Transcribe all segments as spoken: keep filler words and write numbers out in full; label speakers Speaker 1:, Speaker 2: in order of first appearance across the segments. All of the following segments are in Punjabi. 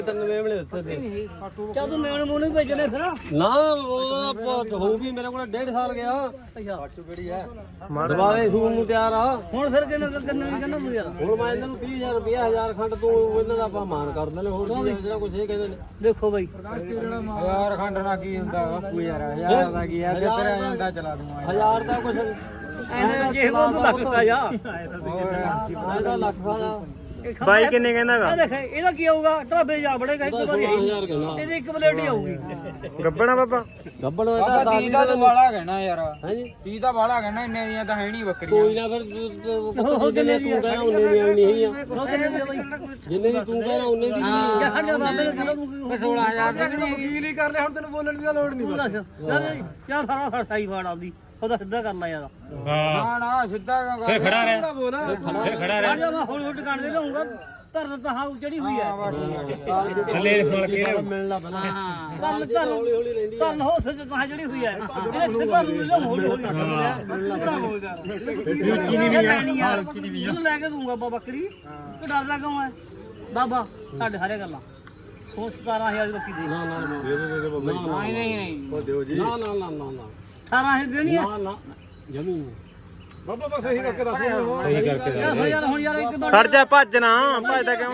Speaker 1: ਚੱਲ ਤੂੰ ਮੇਵਣੇ ਮੂੰਹ ਨਹੀਂ ਭੇਜਣੇ ਫਿਰ
Speaker 2: ਨਾ ਉਹ ਹੋਊਗੀ ਮੇਰੇ ਕੋਲ ਡੇਢ ਸਾਲ ਗਿਆ
Speaker 1: ਅੱਛਾ
Speaker 2: ਕਿਹੜੀ ਹੈ ਦੁਬਾਰੇ ਸੂਣ ਨੂੰ ਤਿਆਰ ਆ
Speaker 1: ਹੁਣ ਫਿਰ ਕਿੰਨਾ ਕਿੰਨਾ ਨਹੀਂ ਕਹਿੰਦਾ ਤੂੰ ਯਾਰ
Speaker 2: ਹੁਣ ਮੈਂ ਇਹਨਾਂ ਨੂੰ ਵੀਹ ਹਜ਼ਾਰ ਰੁਪਏ ਹਜ਼ਾਰ ਖੰਡ ਤੋਂ ਇਹਨਾਂ ਦਾ ਆਪਾਂ ਮਾਨ ਕਰ ਦਿੰਦੇ ਹੋਰ ਜਿਹੜਾ ਕੁਝ ਇਹ ਕਹਿੰਦੇ ਨੇ
Speaker 1: ਦੇਖੋ ਬਾਈ
Speaker 3: ਹਜ਼ਾਰ ਖੰਡ ਨਾਲ ਕੀ ਹੁੰਦਾ ਬਾਪੂ ਯਾਰ ਹਜ਼ਾਰ ਦਾ ਕੀ ਆ ਤੇ ਤੇਰਾ ਜਾਂਦਾ ਚਲਾ ਦੂੰਗਾ
Speaker 2: ਹਜ਼ਾਰ ਦਾ ਕੁਝ
Speaker 1: ਐਨੇ ਜੇ ਉਹ ਲੱਖ ਦਾ ਜਾ
Speaker 2: ਇਹਦਾ ਲੱਖ ਦਾ
Speaker 4: ਬਾਈ ਕਿੰਨੇ ਕਹਿੰਦਾਗਾ
Speaker 1: ਦੇਖ ਇਹਦਾ ਕੀ ਆਊਗਾ ਢਾਬੇ ਜਾ ਬੜੇਗਾ ਇੱਕ ਵਾਰੀ ਇਹਦੀ ਇੱਕ ਪਲੇਟ ਹੀ ਆਊਗੀ
Speaker 4: ਗੱਬਣਾ ਬਾਬਾ
Speaker 2: ਗੱਬੜ ਹੋਇਆ ਤਾਂ
Speaker 3: ਤੀਹ ਦਾ ਤੂੰ ਵਾਲਾ ਕਹਿਣਾ ਯਾਰ
Speaker 2: ਹਾਂਜੀ
Speaker 3: ਤੀਹ ਦਾ ਵਾਲਾ ਕਹਿਣਾ ਇੰਨੇ ਦੀਆਂ ਤਾਂ ਹੈ ਨਹੀਂ ਬੱਕਰੀਆਂ
Speaker 2: ਕੋਈ ਨਾ ਫਿਰ ਜਿੰਨੇ ਤੂੰ ਕਹਿਣਾ ਉਹਨੇ ਦੀ ਆਣੀ ਨਹੀਂ ਆ ਜਿੰਨੇ ਦੀ ਤੂੰ ਕਹਿਣਾ ਉਹਨੇ ਦੀ ਨਹੀਂ
Speaker 1: ਜਾਂ ਸਾਡੇ ਬਾਬੇ ਨੇ ਕਹਿੰਦਾ ਤੂੰ
Speaker 3: ਸੋਲਾਂ ਹਜ਼ਾਰ ਦੇ ਵਕੀਲ ਹੀ ਕਰ ਲੈ ਹੁਣ ਤੈਨੂੰ ਬੋਲਣ ਦੀ ਲੋੜ ਨਹੀਂ
Speaker 1: ਯਾਰ ਯਾਰ ਸਾਰਾ ਸਾਡਾ ਹੀ ਫਾੜ ਆਉਂਦੀ ਉਹਦਾ ਸਿੱਧਾ ਕਰ ਲੈ ਯਾਰ
Speaker 3: ਨਾ ਨਾ ਸਿੱਧਾ ਫਿਰ ਖੜਾ ਰਹਿ
Speaker 4: ਫਿਰ ਖੜਾ
Speaker 1: ਆ ਜਾ ਮੈਂ ਹੌਲੀ ਹੌਲੀ ਟਿਕਾਣੇ ਤੇ ਲਾਉਂਗਾ ਧਰਨ ਤਾਂ ਹਾਂ ਚੜੀ ਹੋਈ ਹੈ
Speaker 4: ਥੱਲੇ ਫੜ ਕੇ
Speaker 2: ਮਿਲਣਾ ਪਹਿਲਾਂ
Speaker 1: ਹਾਂ ਧਰਨ ਧਰਨ ਹੌਲੀ ਹੌਲੀ ਲੈਂਦੀ ਧਰਨ ਹੋ ਸਕੇ ਕਹਾਂ ਚੜੀ ਹੋਈ ਹੈ ਇੱਥੇ ਧਰਨ ਨੂੰ ਲਿਆਉਂ ਹੌਲੀ ਹੌਲੀ ਉੱਚੀ ਨਹੀਂ ਵੀ ਆ ਉੱਚੀ ਨਹੀਂ ਵੀ ਲੈ ਕੇ ਦੂੰਗਾ ਬਾਬਾ ਬੱਕਰੀ ਤੂੰ ਡਰਦਾ ਕਿਉਂ ਹੈ ਬਾਬਾ ਸਾਡੇ ਸਾਰੇ ਗੱਲਾਂ ਸੋ ਸਤਾਰਾਂ ਹਜ਼ਾਰ ਦੀ ਬੱਕਰੀ ਦੇ
Speaker 2: ਨਾ ਨਾ ਦੇ ਦੇ ਦੇ ਬਾਬਾ
Speaker 1: ਨਹੀਂ ਨਹੀਂ ਨਹੀਂ
Speaker 2: ਉਹ ਦਿਓ ਜੀ ਨਾ ਨਾ ਨਾ ਨਾ ਨਾ
Speaker 1: ਅਠਾਰਾਂ ਹਜ਼ਾਰ ਦੇਣੀ ਹੈ
Speaker 2: ਨਾ ਨਾ ਜਮੀ
Speaker 5: ਬਾਬਾ ਬਸ ਸਹੀ ਕਰਕੇ ਦੱਸ
Speaker 4: ਸਹੀ ਕਰਕੇ
Speaker 1: ਯਾਰ ਯਾਰ ਹੁਣ ਯਾਰ ਇੱਕ
Speaker 4: ਖੜ ਜਾ ਭੱਜਣਾ ਭੱਜਦਾ ਕਿਉਂ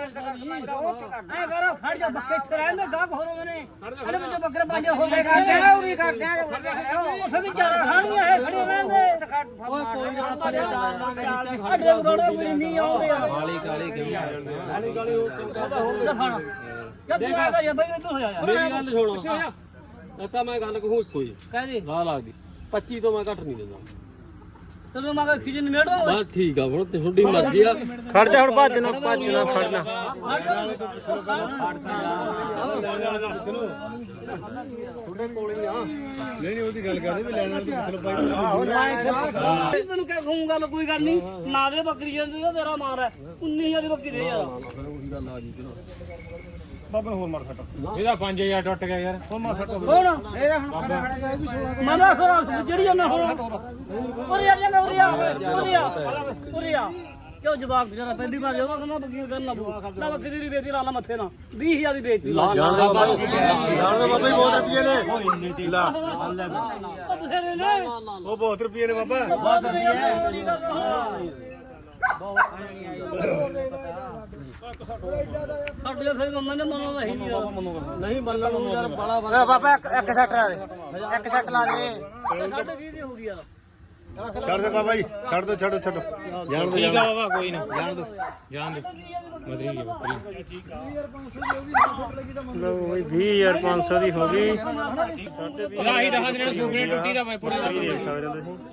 Speaker 1: ਐ ਕਰ ਖੜ ਜਾ ਬੱਕੇ ਇੱਥੇ ਰਹਿੰਦੇ ਗਾਹਕ ਹੋ ਰਹੇ ਨੇ ਅਰੇ ਵਿੱਚ ਬੱਕਰੇ ਪੰਜ ਹੋ ਗਏ ਕਰਦੇ ਉਰੀ ਕਰਦੇ ਉਹ ਵੀ ਚਾਰਾ ਖਾਣੀਆਂ ਹੈ ਖੜੇ ਰਹਿੰਦੇ
Speaker 2: ਓਏ ਕੋਈ ਨਾ ਥੱਲੇ ਡਾਰ ਲਾਂਗੇ
Speaker 1: ਸਾਡੇ ਰੋੜੇ ਕੋਈ ਨਹੀਂ ਆਉਂਦੇ ਯਾਰ
Speaker 2: ਕਾਲੀ ਕਾਲੀ ਕਿਵੇਂ ਆ ਜਾਂਦੇ ਕਾਲੀ ਕਾਲੀ ਉਹ
Speaker 1: ਖਾਣਾ ਯਾਰ ਤੂੰ ਆ ਗਿਆ ਬਈ ਇੱਧਰ ਹੋ ਜਾ ਯਾਰ
Speaker 2: ਮੇਰੀ ਗੱਲ ਸੁਣੋ ਇਹ ਤਾਂ ਮੈਂ ਗੱਲ ਕਹੂੰ ਕੋਈ
Speaker 1: ਕਹਦੇ
Speaker 2: ਲਾ ਲੱਗਦੀ ਪੱਚੀ ਤੋਂ ਮੈਂ ਘੱਟ ਨਹੀਂ ਦਿੰਦਾ
Speaker 1: ਤੈਨੂੰ ਮੈਂ ਖਿਜ ਨਿਮੇੜੋ
Speaker 2: ਬਸ ਠੀਕ ਆ ਹੁਣ ਤੇ ਤੁਹਾਡੀ ਮਰਜ਼ੀ ਆ
Speaker 4: ਖੜ ਜਾ ਹੁਣ ਭੱਜਣਾ ਭੱਜਣਾ ਖੜਨਾ
Speaker 2: ਤੁਹਾਡੇ ਕੋਲ ਹੀ ਆ
Speaker 5: ਨਹੀਂ ਨਹੀਂ ਉਹਦੀ ਗੱਲ ਕਰਦੇ ਵੀ ਲੈਣਾ ਚਲੋ
Speaker 1: ਤੈਨੂੰ ਕਹਿ ਖੂੰ ਗੱਲ ਕੋਈ ਗੱਲ ਨਹੀਂ ਨਾ ਦੇ ਬੱਕਰੀ ਜਾਂਦੀ ਆ ਤੇਰਾ ਮਾਰ ਹੈ ਉੱਨੀ ਹਜ਼ਾਰ ਦੀ ਬੱਕਰੀ ਦੇ ਯਾਰ
Speaker 2: ਫਿਰ ਉਹੀ ਗੱਲ ਆ ਜੀ ਚਲੋ
Speaker 5: ਬਾਬਾ ਹੋਰ ਮਾਰ ਸੱਟ
Speaker 4: ਇਹਦਾ ਪੰਜ ਹਜ਼ਾਰ ਟੁੱਟ ਗਿਆ ਯਾਰ
Speaker 5: ਹੋਰ ਮਾਰ ਸੱਟ
Speaker 1: ਕੌਣ ਇਹਦਾ ਹੁਣ ਮਨਾ ਫਿਰ ਜਿਹੜੀ ਜਾਂਦਾ ਹੁਣ ਉਰੇ ਆ ਜਾ ਉਰੇ ਆ ਉਰੇ ਆ ਉਰੇ ਆ ਕਿਉਂ ਜਵਾਬ ਜਰਾ ਪਹਿਲੀ ਵਾਰ ਜਦੋਂ ਕਹਿੰਦਾ ਬੱਕਰੀ ਕਰਨਾ ਬੂ ਨਾ ਬੱਕਰੀ ਦੀ ਬੇਇੱਜ਼ਤੀ ਲਾ ਲਾ ਮੱਥੇ ਨਾਲ ਵੀਹ ਹਜ਼ਾਰ ਦੀ ਬੇਇੱਜ਼ਤੀ ਲਾ
Speaker 5: ਜਾਣਦਾ ਬਾਬਾ ਜਾਣਦਾ ਬਾਬਾ ਹੀ ਬਹੁਤ ਰੁਪਏ ਨੇ ਲਾ
Speaker 1: ਬਥੇਰੇ ਨੇ
Speaker 5: ਉਹ ਬਹੁਤ ਰੁਪਏ ਨੇ ਬਾਬਾ
Speaker 1: ਬਹੁਤ ਨਹੀਂ ਸਾਡੇ ਫਿਰ ਮੰਮਾ ਨੇ ਮਨੋਂ ਨਹੀਂ
Speaker 2: ਨਹੀਂ ਮੰਨਣ ਨੂੰ ਯਾਰ ਬੜਾ ਬੜਾ
Speaker 4: ਬਾਬਾ ਇੱਕ ਸੈੱਟ ਲਾ ਦੇ ਇੱਕ ਸੈੱਟ ਲਾ ਦੇ
Speaker 1: ਸਾਡੇ ਵੀਹ ਦੀ ਹੋ ਗਈ ਯਾਰ
Speaker 5: ਛੱਡ ਦੇ ਬਾਬਾ ਜੀ ਛੱਡ ਦੋ ਛੱਡੋ ਛੱਡੋ ਜਾਣ ਦੋ
Speaker 4: ਠੀਕ ਆ ਬਾਬਾ ਕੋਈ ਨਾ ਜਾਣ ਦੋ ਜਾਣ ਦੇ ਮਦਰੀ ਗਈ ਬੱਕਰੀ ਲੋ ਬਈ ਵੀਹ ਹਜ਼ਾਰ ਪੰਜ ਸੌ ਦੀ ਹੋ ਗਈ ਸਾਡੇ ਵੀਹ ਆਹੀ ਦਹਾਂ ਦਿਨਾਂ ਸੁਪਨੇ ਟੁੱਟੀ ਦਾ ਮੈਂ ਪੂਰੀ ਦੇਖ ਸਕਦੇ ਹੋ ਤੁਸੀਂ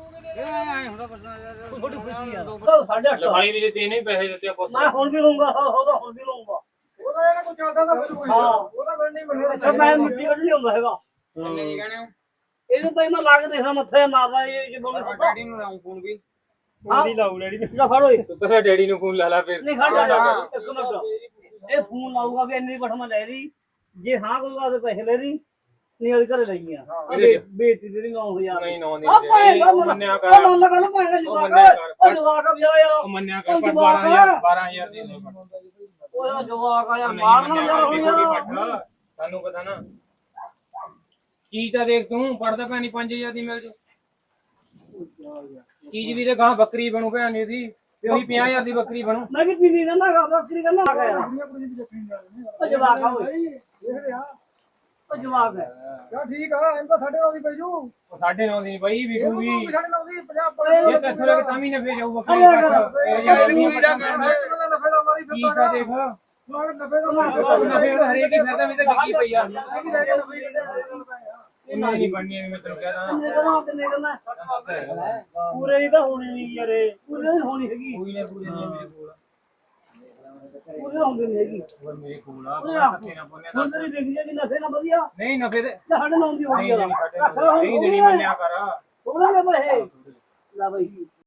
Speaker 4: ਲਫਾਈ ਵੀ ਤੇ ਇਹਨੇ ਪੈਸੇ ਦਿੱਤੇ ਆਪਾਂ
Speaker 1: ਮੈਂ ਹੁਣ ਵੀ ਲਊਂਗਾ ਉਹਦਾ ਹੁਣ ਵੀ ਲਊਂਗਾ
Speaker 5: ਉਹਦਾ ਇਹਨਾਂ ਕੋ ਚੱਲਦਾ ਤਾਂ ਫਿਰ ਕੋਈ
Speaker 1: ਹਾਂ
Speaker 5: ਉਹਦਾ ਫਿਰ ਨਹੀਂ ਮੰਨਣਾ
Speaker 1: ਅੱਛਾ ਮੈਂ ਮਿੱਟੀ ਕੱਢ ਲਿਆਉਂਦਾ ਹੈਗਾ
Speaker 3: ਕਿੰਨੇ ਜੀ ਕਹਿਣੇ
Speaker 1: ਇਹਨੂੰ ਭਾਈ ਮੈਂ ਲਾ ਕੇ ਦੇਖਾਂ ਮੱਥੇ ਮਾਰਦਾ ਇਹ ਜੇ ਬੋਲ
Speaker 3: ਡੈਡੀ ਨੂੰ ਲਾਉਂ ਫੋਨ ਵੀ
Speaker 1: ਉਹਦੀ ਲਾਉ ਡੈਡੀ ਜਾ ਫੜ ਓਏ
Speaker 4: ਤੂੰ ਤਾਂ ਡੈਡੀ ਨੂੰ ਫੋਨ ਲਾ ਲਾ ਫਿਰ
Speaker 1: ਨਹੀਂ ਖੜ ਜਾ ਇੱਕ ਮਿੰਟ ਇਹ ਫੋਨ ਲਾਊਗਾ ਵੀ ਇੰਨੀ ਪਠਮਾ ਲੈ ਰਹੀ ਜੇ ਹਾਂ ਕੋਈ ਵਾਦੇ ਪੈਸੇ ਲੈ ਰਹੀ ਨਹੀਂ ਉਹਦੇ ਘਰੇ ਲਈ ਆ ਬੇਇੱਜ਼ਤੀ ਦੇ ਨੌ ਹਜ਼ਾਰ
Speaker 4: ਨਹੀਂ ਨੌ
Speaker 1: ਆ ਭਾਈ ਮੰਨਿਆ ਕਰ ਉਹ ਮੰਨ ਗੱਲ ਭਾਈ ਜਵਾਕ ਉਹ ਜਵਾਕ ਆ ਯਾਰ
Speaker 4: ਉਹ ਮੰਨਿਆ ਕਰ ਪਰ ਬਾਰਾਂ ਹਜ਼ਾਰ ਬਾਰਾਂ ਹਜ਼ਾਰ ਦੇ ਦੇ
Speaker 1: ਉਹ ਜਵਾਕ ਆ ਯਾਰ ਮਾਰਨਾ ਯਾਰ ਹੁਣ ਯਾਰ
Speaker 4: ਤੁਹਾਨੂੰ ਪਤਾ ਨਾ ਚੀਜ਼ ਤਾਂ ਦੇਖ ਤੂੰ ਪੜਦਾ ਪੈਣੀ ਪੰਜ ਹਜ਼ਾਰ ਦੀ ਮਿਲ ਜੂ ਚੀਜ਼ ਵੀ ਤੇ ਗਾਂ ਬੱਕਰੀ ਬਣੂ ਭੈਣੀ ਦੀ ਤੇ ਉਹੀ ਪੰਜਾਹ ਹਜ਼ਾਰ ਦੀ ਬੱਕਰੀ ਬਣੂ
Speaker 1: ਮੈਂ ਵੀ ਪੀਣੀ ਨਾ ਨਾ ਬੱਕਰੀ ਕਰਨਾ ਆ ਗਿਆ ਉਹ ਜਵਾਕ ਆ ਓਏ
Speaker 5: ਦੇਖਦੇ ਆ
Speaker 1: ਉਹ ਜਵਾਕ ਹੈ
Speaker 5: ਚਾ ਠੀਕ ਆ ਇਹਨਾਂ ਸਾਡੇ ਨਾਲ ਹੀ ਪਈ ਜੂ
Speaker 4: ਉਹ ਸਾਢੇ ਨੌ ਦੀ ਬਈ ਵਿਕੂਗੀ
Speaker 5: ਸਾਡੇ ਨਾਲ ਦੀ ਪੰਜਾਹ
Speaker 4: ਇਹ ਤਾਂ ਥੋੜਾ ਤਾਂ ਵੀ ਨਫੇ ਜਾਊ ਬੱਕਰੀ ਕੱਟ ਇਹ ਜਿਹੜੀ
Speaker 5: ਦਾ ਨਫੇ ਦਾ ਮਾਰੀ
Speaker 4: ਕੀ ਤਾਂ ਦੇਖ
Speaker 5: ਮਾਰ ਨਫੇ ਦਾ
Speaker 4: ਨਫੇ ਦਾ ਹਰੇਕ ਹੀ ਫਾਇਦਾ ਵੀ ਤਾਂ ਵਿਕੀ ਪਈ ਆ
Speaker 5: ਮਾਰ
Speaker 4: ਇਹਨਾਂ ਨਹੀਂ ਬਣਨੀ ਮੈਂ ਤੈਨੂੰ ਕਹਿਦਾ
Speaker 1: ਕਿੰਨੇ ਕਰਨਾ ਕਿੰਨੇ ਕਰਨਾ ਪੂਰੇ ਹੀ ਤਾਂ ਹੋਣੀ ਨਹੀਂ ਯਾਰ ਪੂਰੇ ਨਹੀਂ ਹੋਣੀ ਹੈਗੀ
Speaker 4: ਕੋਈ ਨਾ ਪੂਰੇ ਨਹੀਂ ਮੇਰੇ ਕੋਲ
Speaker 1: ਪੂਰੇ ਹੁੰਦੇ ਨਹੀਂ ਹੈਗੀ
Speaker 4: ਹੋਰ ਮੇਰੇ ਕੋਲ ਆ ਨਫੇ ਨਾ ਪੋਨੇ
Speaker 1: ਹੁਣ ਤੇਰੀ ਦੇਖ ਜਾ ਕਿ ਨਫੇ ਨਾ ਵਧੀਆ
Speaker 4: ਨਹੀਂ ਨਫੇ ਦੇ
Speaker 1: ਸਾਡੇ ਨਾਲ ਦੀ ਹੋ ਗਈ
Speaker 4: ਨਹੀਂ ਦੇਣੀ ਸਾਡੇ ਨਹੀਂ ਦੇਣੀ ਮੰਨਿਆ ਕਰ
Speaker 1: ਉਹਨਾਂ ਨੇ ਬਈ ਲਾ ਬਈ